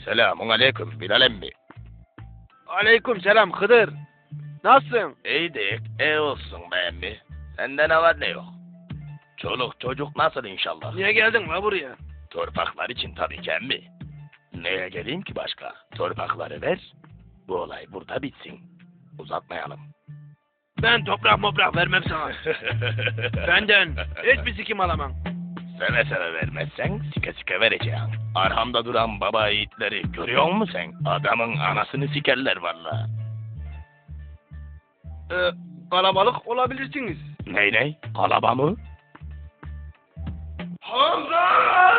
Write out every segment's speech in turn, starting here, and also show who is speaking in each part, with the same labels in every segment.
Speaker 1: Selamun aleyküm Bilal emmi.
Speaker 2: Aleyküm selam Hıdır. Nasılsın?
Speaker 1: İyidik, iyi olsun be emmi. Sende ne var ne yok? Çoluk çocuk nasıl inşallah?
Speaker 2: Niye geldin la buraya?
Speaker 1: Torpaklar için tabii ki emmi. Neye geleyim ki başka? Torpakları ver, bu olay burada bitsin. Uzatmayalım.
Speaker 2: Ben toprak vermem sana. Benden hiçbir sikim alamam.
Speaker 1: Seve seve vermezsen sike sike vereceğim. Arhamda duran baba yiğitleri görüyor musun sen? Adamın anasını sikerler valla.
Speaker 2: Kalabalık olabilirsiniz.
Speaker 1: Ney? Kalaba mı?
Speaker 2: Hamza!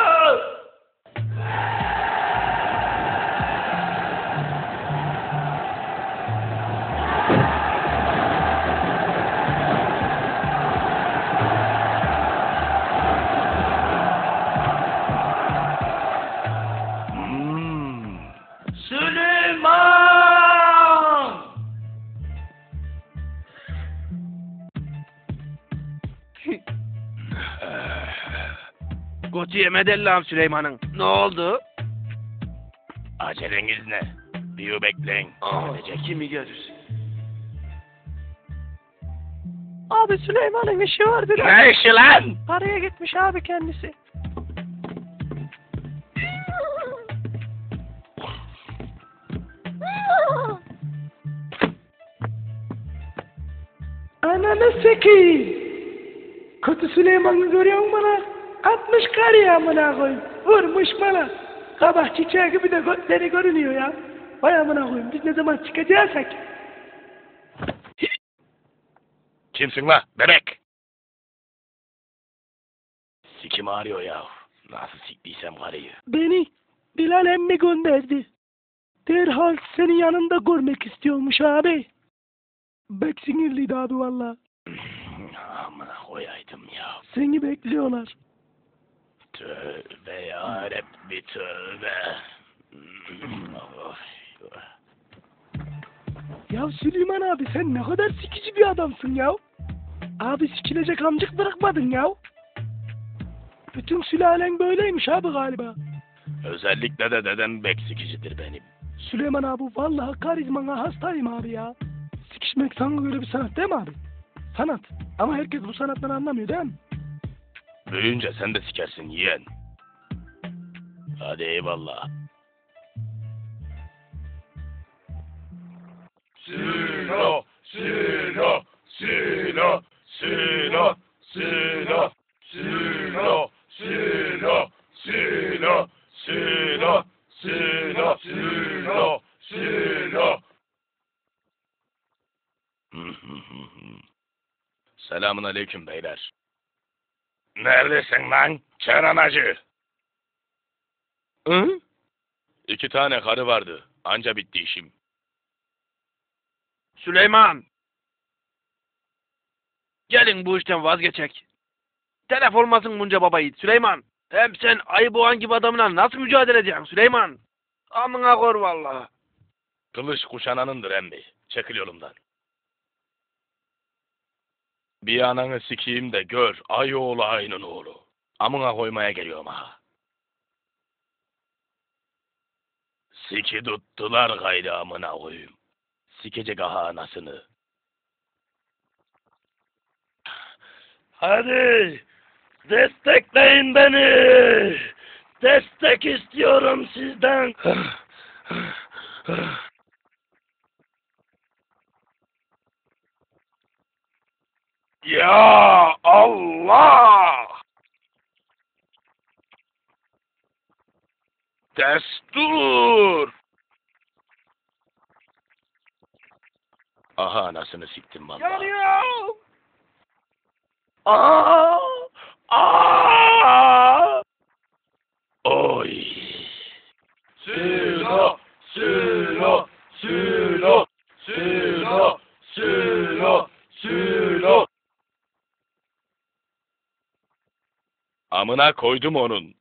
Speaker 2: Süleyman! Koçu yemedi Allah'ım Süleyman'ın. Ne oldu?
Speaker 1: Aceleniz ne? Bir bekleyin. Gelecek.
Speaker 2: Kimi görürsün?
Speaker 3: Abi Süleyman'ın işi var biraz.
Speaker 1: Ne işi lan?
Speaker 3: Paraya gitmiş abi kendisi. Ananı sekeyim. Kötü Süleyman'ı görüyor musun bana? 60 kar ya amına koyayım. Vurmuş bana. Kabak çiçeği gibi de gözleri görünüyor ya. Vay amına koyayım, biz ne zaman çıkacaksak.
Speaker 1: Kimsin la bebek? Sikim ağrıyor ya. Nasıl siktiysem karıyı.
Speaker 3: Beni Bilal emmi gönderdi. Derhal senin yanında görmek istiyormuş abi. Bek sinirliydi abi valla.
Speaker 1: Amına koyaydım ya.
Speaker 3: Seni bekliyorlar.
Speaker 1: Tövbe yarabbi tövbe.
Speaker 3: Ya Süleyman abi sen ne kadar sikici bir adamsın ya. Abi sikilecek amcık bırakmadın ya. Bütün sülalen böyleymiş abi galiba.
Speaker 1: Özellikle de dedem bek sikicidir benim.
Speaker 3: Süleyman abi vallahi karizmana hastayım abi ya. Sikişmek sana göre bir sanat değil mi abi? Sanat. Ama herkes bu sanattan anlamıyor değil mi?
Speaker 1: Büyüyünce sen de sikersin yeğen. Hadi eyvallah. Silo, silo, silo, silo, silo, silo, silo, silo, silo, silo, silo, silo. Selamun aleyküm beyler. Neredesin lan? Çenanacı.
Speaker 3: Hı?
Speaker 1: 2 tane karı vardı. Anca bitti işim.
Speaker 2: Süleyman! Gelin bu işten vazgeçek. Telef olmasın bunca baba yiğit Süleyman. Hem sen ayı boğan gibi adamla nasıl mücadele edeceksin Süleyman? Amına kor vallahi.
Speaker 1: Kılıç kuşananındır emmi. Çekil yolumdan. Bir ananı sikeyim de gör. Ay oğlu aynın oğlu. Amına koymaya geliyorum ha. Siki tuttular gayrı amına koyayım. Sikecek aha anasını. Hadi destekleyin beni. Destek istiyorum sizden. Ya Allah! Destur! Aha anasını siktim valla.
Speaker 2: Yanıyor!
Speaker 1: Aa! Aa! Oy! Silo! Silo! Silo! Silo! Silo! Silo! Amına koydum onun.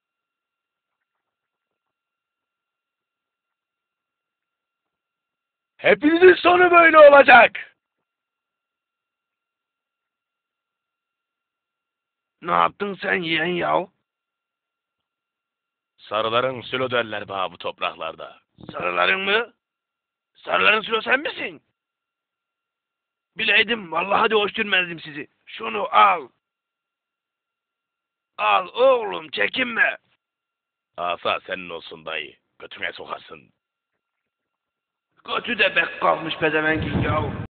Speaker 1: Hepinizin sonu böyle olacak.
Speaker 2: Ne yaptın sen yeğen yav?
Speaker 1: Sarıların sülo derler bana bu topraklarda.
Speaker 2: Sarıların mı? Sarıların sülo sen misin? Bileydim vallahi de hoş görmezdim sizi. Şunu al. Al oğlum çekinme.
Speaker 1: Asa senin olsun dayı. Götüne sokasın.
Speaker 2: Götü de bek kalmış pezevenkin yahu.